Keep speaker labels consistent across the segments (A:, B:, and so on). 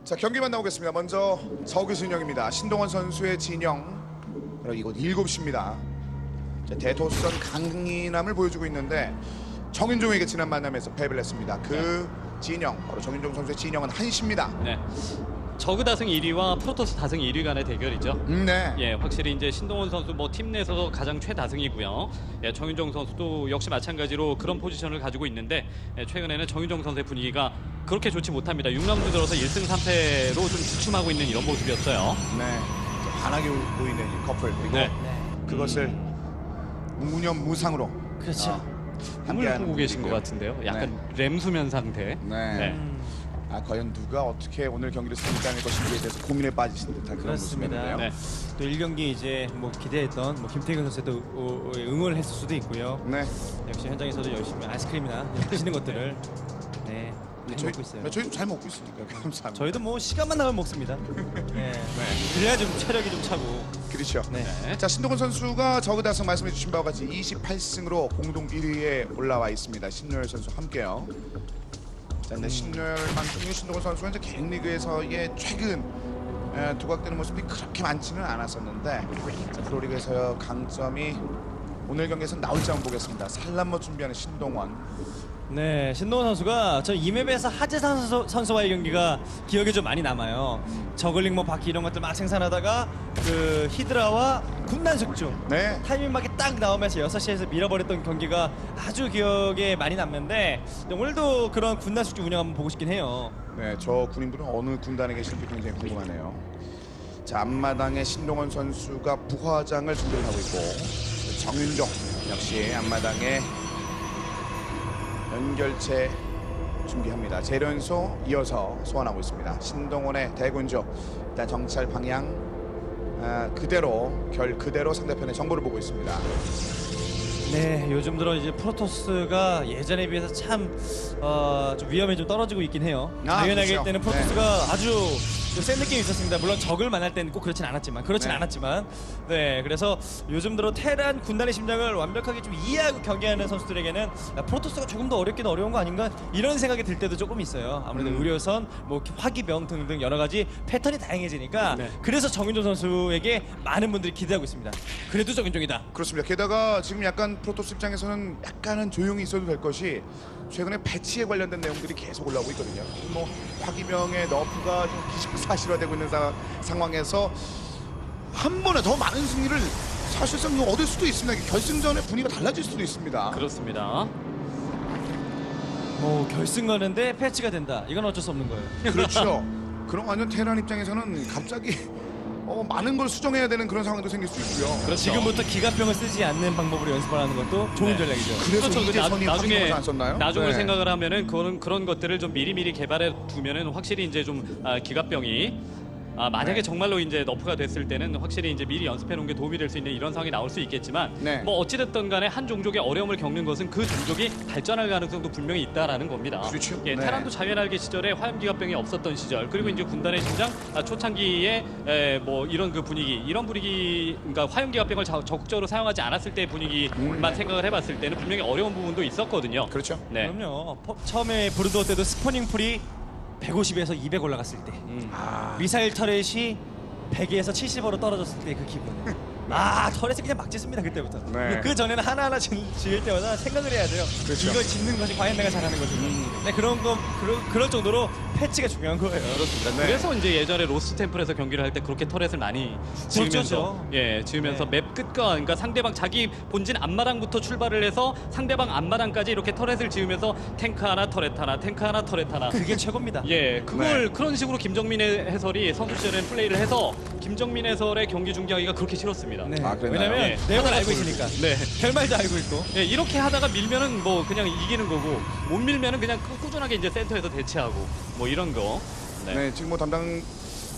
A: 자, 경기만 나오겠습니다. 먼저 서구 진영입니다. 신동원 선수의 진영. 그리고 이곳 7시입니다. 대토선 강인함을 보여주고 있는데 정윤종에게 지난 만남에서 패배를 했습니다. 그 진영, 바로 정윤종 선수의 진영은 1시입니다.
B: 네. 저그 다승 1위와 프로토스 다승 1위 간의 대결이죠.
A: 네.
B: 예, 확실히 이제 신동원 선수 뭐 팀 내에서도 가장 최다승이고요. 예, 정윤종 선수도 역시 마찬가지로 그런 포지션을 가지고 있는데 최근에는 정윤종 선수의 분위기가 그렇게 좋지 못합니다. 6라운드 들어서 1승 3패로 좀 주춤하고 있는 이런 모습이었어요.
A: 네. 환하게 보이는 이 커플, 그리고
B: 네.
A: 그것을 무념무상으로
C: 그렇죠.
B: 꿈을
A: 함께하는
B: 꾸고 계신 것
A: 분위기고요.
B: 같은데요. 약간 렘수면 상태.
A: 네.
B: 네.
A: 과연 누가 어떻게 오늘 경기를 승리할 것인지에 대해서 고민에 빠지신 듯한 그런
C: 그렇습니다.
A: 모습이네요.
B: 네.
C: 또 1경기 이제 뭐 기대했던 뭐 김태균 선수도 응원을 했을 수도 있고요.
A: 네.
C: 역시 현장에서도 열심히 아이스크림이나 드시는 것들을 네, 많이 먹고 있어요.
A: 저희도 잘 먹고 있으니까 감사합니다.
C: 저희도 뭐 시간만 나면 먹습니다. 네. 그래야 좀 체력이 좀 차고.
A: 그렇죠.
C: 네.
A: 자, 신동원 선수가 저그다승 말씀해 주신 바와 같이 28승으로 공동 1위에 올라와 있습니다. 신노열 선수 함께요. 자, 근데 신노열만큼은 신동원 선수가 이제 개인 리그에서의 최근 두각되는 모습이 그렇게 많지는 않았었는데, 자, 프로리그에서의 강점이 오늘 경기에서 나올지 한번 보겠습니다. 살란모 준비하는 신동원.
C: 네, 신동원 선수가 저 이맵에서 하재산 선수와의 경기가 기억에 좀 많이 남아요. 저글링 뭐 바퀴 이런 것들 막 생산하다가 그 히드라와 군단 숙주
A: 네.
C: 타이밍 맞게 딱 나오면서 6시에서 밀어버렸던 경기가 아주 기억에 많이 남는데 오늘도 그런 군단 숙주 운영 한번 보고 싶긴 해요.
A: 네, 저 군인분은 어느 군단에 계실지 굉장히 궁금하네요. 자, 앞마당에 신동원 선수가 부화장을 준비를 하고 있고, 정윤종 역시 앞마당에 연결체 준비합니다. 재련소 이어서 소환하고 있습니다. 신동원의 대군주, 일단 정찰 방향 그대로 그대로 상대편의 정보를 보고 있습니다.
C: 네, 요즘 들어 이제 프로토스가 예전에 비해서 참 좀 위험이 좀 떨어지고 있긴 해요. 자연하게
A: 그렇죠.
C: 할 때는 프로토스가 아주 좀 센 느낌이 있었습니다. 물론 적을 만날 때는 꼭 그렇진
A: 네.
C: 않았지만, 네, 그래서 요즘 들어 테란 군단의 심장을 완벽하게 좀 이해하고 경기하는 선수들에게는 야, 프로토스가 조금 더 어렵긴 어려운 거 아닌가 이런 생각이 들 때도 조금 있어요. 아무래도 의료선, 뭐 화기병 등등 여러 가지 패턴이 다양해지니까
B: 네.
C: 그래서 정윤종 선수에게 많은 분들이 기대하고 있습니다. 그래도 정윤종이다.
A: 그렇습니다. 게다가 지금 약간 프로토스 입장에서는 약간은 조용히 있어도 될 것이, 최근에 배치에 관련된 내용들이 계속 올라오고 있거든요. 뭐 화기병의 너프가 좀 기정사실화되고 있는 상황에서 한 번에 더 많은 승리를 사실상 얻을 수도 있습니다. 결승전의 분위기가 달라질 수도 있습니다.
B: 그렇습니다.
C: 뭐 결승 가는데 패치가 된다. 이건 어쩔 수 없는 거예요.
A: 그렇죠. 그럼 완전 테란 입장에서는 갑자기 많은 걸 수정해야 되는 그런 상황도 생길 수 있고요.
B: 그렇죠.
C: 지금부터 기갑병을 쓰지 않는 방법으로 연습을 하는 것도 좋은
B: 네.
C: 전략이죠.
A: 그래서
B: 그렇죠.
A: 이재선이
B: 나중에
A: 화기병을 안 썼나요?
B: 나중을
A: 네.
B: 생각을 하면은 그런 것들을 좀 미리미리 개발해 두면은 확실히 이제 좀 기갑병이 만약에
A: 네.
B: 정말로 이제 너프가 됐을 때는 확실히 이제 미리 연습해 놓은 게 도움이 될 수 있는 이런 상황이 나올 수 있겠지만,
A: 네.
B: 뭐 어찌됐든 간에 한 종족의 어려움을 겪는 것은 그 종족이 발전할 가능성도 분명히 있다라는 겁니다.
A: 그렇죠.
B: 예,
A: 네.
B: 테란도 자연알기 시절에 화염기갑병이 없었던 시절, 그리고 이제 군단의 심장 초창기에 뭐 이런 그 분위기, 그러니까 화염기갑병을 적극적으로 사용하지 않았을 때의 분위기만 생각을 해봤을 때는 분명히 어려운 부분도 있었거든요.
A: 그렇죠.
B: 네.
C: 그럼요. 처음에 브루드워 때도 스포닝 풀이 150에서 200 올라갔을 때, 미사일 터렛이 100에서 70으로 떨어졌을 때 그 기분. 터렛을 그냥 막 짓습니다 그때부터.
A: 네.
C: 그 전에는 하나하나 지을 때마다 생각을 해야 돼요.
A: 그렇죠.
C: 이걸 짓는 것이 과연 내가 잘하는 것인가. 네, 그럴 정도로 패치가 중요한 거예요.
B: 그렇습니다.
A: 네.
B: 그래서 이제 예전에 로스 템플에서 경기를 할 때 그렇게 터렛을 많이 지으면서 지으면서
C: 네.
B: 맵 끝과, 그러니까 상대방 자기 본진 앞마당부터 출발을 해서 상대방 앞마당까지 이렇게 터렛을 지으면서 탱크 하나 터렛 하나 탱크 하나 터렛 하나
C: 그게 최고입니다.
B: 예, 그걸 그런 식으로 김정민 해설이 선수 시절에 플레이를 해서 김정민 해설의 경기 중계하기가 그렇게 싫었습니다.
C: 네.
A: 그랬나요?
C: 왜냐면
B: 예.
C: 내용을 알고 있으니까.
B: 네.
C: 결말도 알고 있고.
B: 예, 이렇게 하다가 밀면은 뭐 그냥 이기는 거고, 못 밀면은 그냥 꾸준하게 이제 센터에서 대치하고 뭐 이런 거.
A: 네, 지금 뭐 담당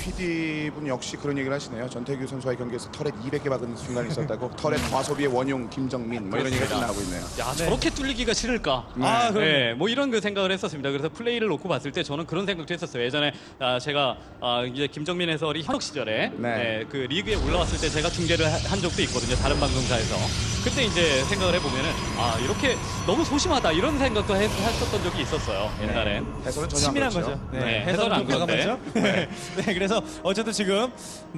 A: PD 분 역시 그런 얘기를 하시네요. 전태규 선수와의 경기에서 터렛 200개 박은 순간이 있었다고. 터렛 과소비의 원흉 김정민 뭐 이런 얘기가 좀 나오고 있네요.
B: 야, 저렇게 뚫리기가 싫을까?
C: 아, 그럼요.
B: 네, 뭐 이런 그 생각을 했었습니다. 그래서 플레이를 놓고 봤을 때 저는 그런 생각도 했었어요. 예전에 제가 이제 김정민 해설이 현역 시절에
A: 네.
B: 그 리그에 올라왔을 때 제가 중계를 한 적도 있거든요. 다른 방송사에서. 그때 이제 생각을 해보면은 이렇게 너무 소심하다 이런 생각도 했었던 적이 있었어요. 옛날에.
A: 해설은 전혀 안
C: 치밀한
A: 그렇죠.
C: 거죠.
B: 네, 해설은 안
C: 과감하죠. 네. 네, 그래서 어쨌든 지금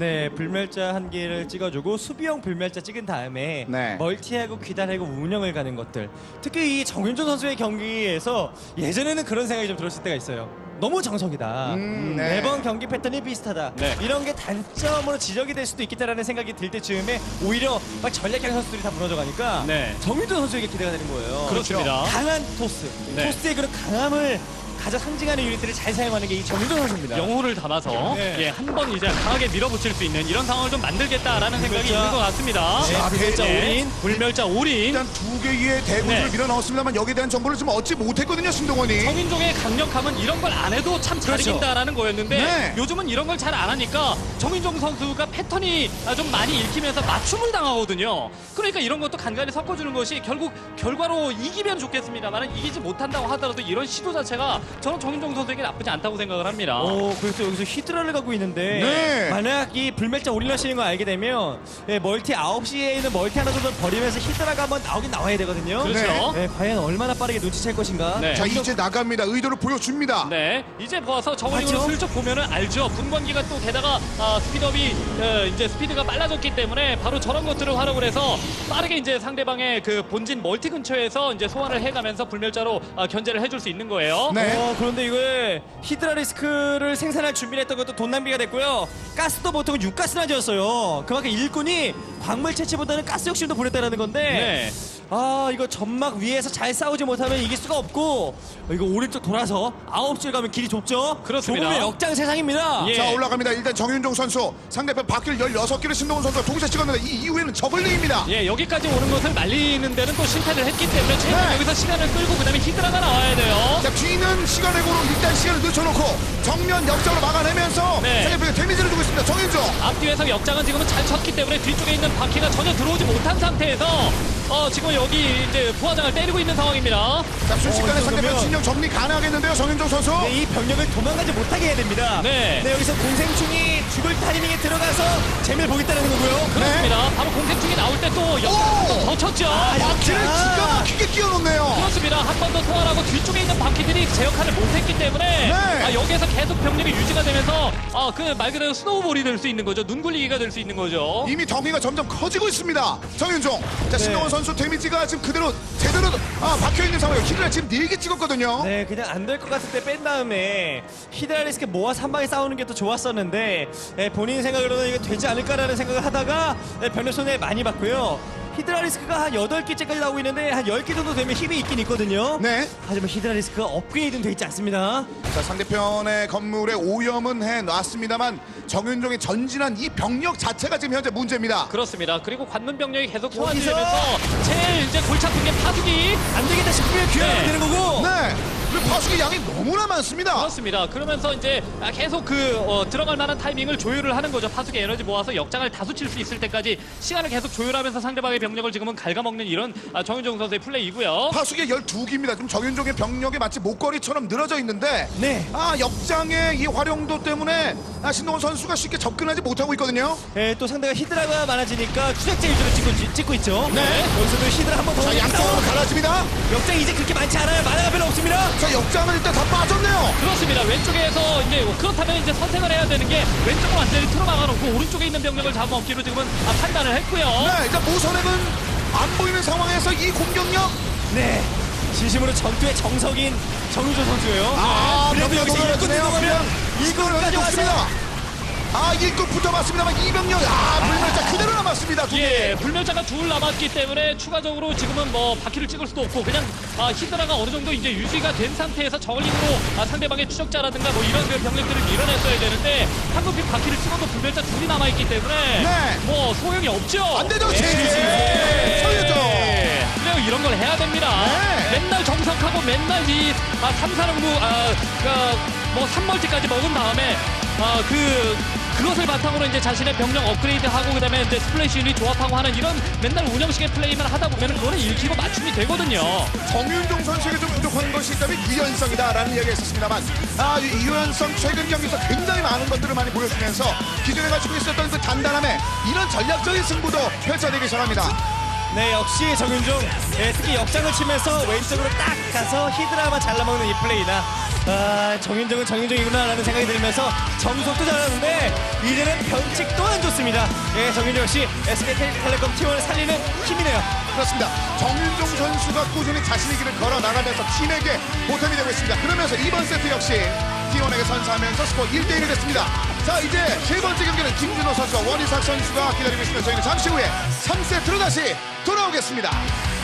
C: 불멸자 한 개를 찍어주고 수비형 불멸자 찍은 다음에
A: 네.
C: 멀티하고 귀단하고 운영을 가는 것들. 특히 이 정윤준 선수의 경기에서 예전에는 그런 생각이 좀 들었을 때가 있어요. 너무 정석이다.
A: 네.
C: 매번 경기 패턴이 비슷하다.
B: 네.
C: 이런 게 단점으로 지적이 될 수도 있겠다라는 생각이 들 때쯤에 오히려 막 전략형 선수들이 다 무너져 가니까
B: 네.
C: 정윤준 선수에게 기대가 되는 거예요.
B: 그렇습니다.
C: 강한 토스.
B: 네.
C: 토스의 그런 강함을 가장 상징하는 유닛들을 잘 사용하는 게 이 정윤준 선수입니다.
B: 영혼을 담아서
C: 네.
B: 한 번 이제 강하게 밀어붙일 수 있는 이런 상황을 좀 만들겠다라는 생각이
C: 불멸자.
B: 있는 것 같습니다.
C: 네, 불멸자 올인.
B: 불멸자 올인.
A: 일단 두 개의 대군을
B: 네.
A: 밀어 넣었습니다만 여기에 대한 정보를 좀 얻지 못했거든요, 신동원이.
B: 정인종의 강력함은 이런 걸 안 해도 참 잘
C: 그렇죠.
B: 이긴다라는 거였는데
A: 네.
B: 요즘은 이런 걸 잘 안 하니까 정인종 선수가 패턴이 좀 많이 읽히면서 맞춤을 당하거든요. 그러니까 이런 것도 간간히 섞어주는 것이 결국 결과로 이기면 좋겠습니다만 이기지 못한다고 하더라도 이런 시도 자체가 저는 정인종 선수에게 나쁘지 않다고 생각을 합니다.
C: 그래서 여기서 히드라를 갖고 있는데
A: 네.
C: 만약 이 불멸자 올인하시는 거 알게 되면 멀티 9시에 있는 멀티 하나 정도 버리면서 히드라가 한번 나오긴 나와야 되거든요.
B: 그렇죠.
C: 네, 과연 얼마나 빠르게 눈치챌 것인가.
B: 네.
A: 자, 이제 나갑니다. 의도를 보여줍니다.
B: 네, 이제 보아서 저울링으로
C: 맞죠?
B: 슬쩍 보면은 알죠. 분광기가 또 게다가 스피드업이 이제 스피드가 빨라졌기 때문에 바로 저런 것들을 활용을 해서 빠르게 이제 상대방의 그 본진 멀티 근처에서 이제 소환을 해가면서 불멸자로 견제를 해줄 수 있는 거예요.
A: 네.
C: 그런데 이거에 히드라 리스크를 생산할 준비를 했던 것도 돈 낭비가 됐고요. 가스도 보통은 육가스나 지었어요. 그만큼 일꾼이 광물 채취보다는 가스 욕심도 부렸다는 건데
B: 네.
C: 이거 점막 위에서 잘 싸우지 못하면 이길 수가 없고 이거 오른쪽 돌아서 9시를 가면 길이 좁죠?
B: 그렇습니다.
C: 좁으면 역장 세상입니다.
B: 예.
A: 자, 올라갑니다. 일단 정윤종 선수 상대편 바퀴를 16개를 신동원 선수가 동시에 찍었는데 이 이후에는 저글링입니다.
B: 예, 여기까지 오는 것을 말리는 데는 또 실패를 했기 때문에 최근
A: 네.
B: 여기서 시간을 끌고 그다음에 히드라가 나와야 돼요.
A: 자, 뒤는 시간의 고로 일단 시간을 늦춰놓고 정면 역장으로 막아내면서
B: 네.
A: 상대편에 데미지를 주고 있습니다. 정윤종.
B: 앞뒤에서 역장은 지금은 잘 쳤기 때문에 뒤쪽에 있는 바퀴가 전혀 들어오지 못한 상태에서 지금 여기 이제 부하장을 때리고 있는 상황입니다.
A: 자, 순식간에 상대편
C: 그러면-
A: 진영 정리 가능하겠는데요, 정윤종 선수.
C: 네, 이 병력을 도망가지 못하게 해야 됩니다.
B: 네.
C: 여기서 공생충이 죽을 타이밍에 들어가서 재미를 보겠다는 거고요.
B: 그렇습니다. 바로 공생충이 나올 때 또 역장을 더 쳤죠.
A: 바퀴를 기가 막히게 끼워놓네요.
B: 그렇습니다. 한 번 더 소환하고 뒤쪽에 있는 바퀴들이 제 역할을 못했기 때문에
A: 네.
B: 여기에서 계속 병력이 유지가 되면서 그 말 그대로 스노우볼이 될 수 있는 거죠. 눈 굴리기가 될 수 있는 거죠.
A: 이미 덩이가 점점 커지고 있습니다. 정윤종. 자, 신동원 선수 데미지가 지금 그대로 제대로 박혀있는 상황이에요. 힐을 지금 4개 찍었거든요.
C: 네, 그냥 안 될 것 같을 때 뺀 다음에 히드라 리스크 모아서 한 방에 싸우는 게 더 좋았었는데 본인 생각으로는 이거 되지 않을까라는 생각을 하다가 변력 손해 많이 봤고요. 히드라 리스크가 한 8개째까지 나오고 있는데 한 10개 정도 되면 힘이 있긴 있거든요.
A: 네.
C: 하지만 히드라 리스크가 업그레이드는 돼 있지 않습니다.
A: 자, 상대편의 건물에 오염은 해놨습니다만 정윤종이 전진한 이 병력 자체가 지금 현재 문제입니다.
B: 그렇습니다. 그리고 관문 병력이 계속
C: 여기서
B: 소환되면서 제일 이제 골치 아픈 게 파수기.
C: 안 되겠다 싶으면 귀환하면
B: 네.
C: 되는 거고.
A: 네. 그리고 파수기 양이 너무나 많습니다.
B: 그렇습니다. 그러면서 이제 계속 들어갈 만한 타이밍을 조율을 하는 거죠. 파수기 에너지 모아서 역장을 다수 칠 수 있을 때까지 시간을 계속 조율하면서 상대방의 병력을 지금은 갉아먹는 이런 정윤종 선수의 플레이이고요.
A: 파수기 12기입니다. 지금 정윤종의 병력이 마치 목걸이처럼 늘어져 있는데
C: 네.
A: 역장의 이 활용도 때문에 신동원 선수가 쉽게 접근하지 못하고 있거든요.
C: 또 상대가 히드라가 많아지니까 추적자 위주로 찍고 있죠.
A: 네.
C: 여기서도 히드라 한 번 더
A: 자, 양쪽으로 갈라집니다.
C: 역장 이제 그렇게 많지 않아요. 만화가 별로 없습니다.
A: 자, 역장은 일단 다 빠졌네요.
B: 그렇습니다. 왼쪽에서 이제 그렇다면 이제 선택을 해야 되는 게 왼쪽을 완전히 틀어 막아놓고 오른쪽에 있는 병력을 잡아먹기로 지금은 판단을 했고요.
A: 네, 일단 모선액은 안 보이는 상황에서 이 공격력.
C: 네. 진심으로 전투의 정석인 정유조 선수예요. 그래도 여기서 일꾼
A: 노려주네요.
C: 들어가면 일꾼까지
A: 좋습니다.
C: 왔어요.
A: 일꾼 붙어봤습니다만 이병력 불멸자 그대로 남았습니다. 두 개.
B: 예, 불멸자가 둘 남았기 때문에 추가적으로 지금은 뭐 바퀴를 찍을 수도 없고 그냥 히드라가 어느 정도 이제 유지가 된 상태에서 저글링으로 상대방의 추적자라든가 뭐 이런 그 병력들을 밀어냈어야 되는데 한국핀 바퀴를 찍어도 불멸자 둘이 남아있기 때문에
A: 네.
B: 뭐 소용이 없죠.
A: 안 되죠,
B: 예.
A: 제지. 서유정.
B: 그리고 이런 걸 해야 됩니다.
A: 네.
B: 맨날 정석하고 맨날 이 3사령부 뭐 3멀티까지 먹은 다음에 그것을 바탕으로 이제 자신의 병력 업그레이드하고 그다음에 이제 스플래시 유닛 조합하고 하는 이런 맨날 운영식의 플레이만 하다 보면 그거는 읽히고 맞춤이 되거든요.
A: 정윤종 선수에게 좀 부족한 것이 있다면 유연성이다라는 이야기가 있었습니다.만 이 유연성 최근 경기에서 굉장히 많은 것들을 많이 보여주면서 기존에 가지고 있었던 그 단단함에 이런 전략적인 승부도 펼쳐내기 시작합니다.
C: 네, 역시 정윤종 특히 역장을 치면서 왼쪽으로 딱 가서 히드라만 잘라먹는 이 플레이나 정윤종은 정윤종이구나라는 생각이 들면서 정석도 잘하는데 이제는 변칙 또한 좋습니다. 정윤종 역시 SK텔레콤 T1을 살리는 힘이네요.
A: 그렇습니다. 정윤종 선수가 꾸준히 자신의 길을 걸어 나가면서 팀에게 보탬이 되고 있습니다. 그러면서 이번 세트 역시 T1에게 선사하면서 스코어 1대1이 됐습니다. 자, 이제 세 번째 경기는 김준호 선수와 원희삭 선수가 기다리고 있습니다. 저희는 잠시 후에 3세트로 다시 돌아오겠습니다.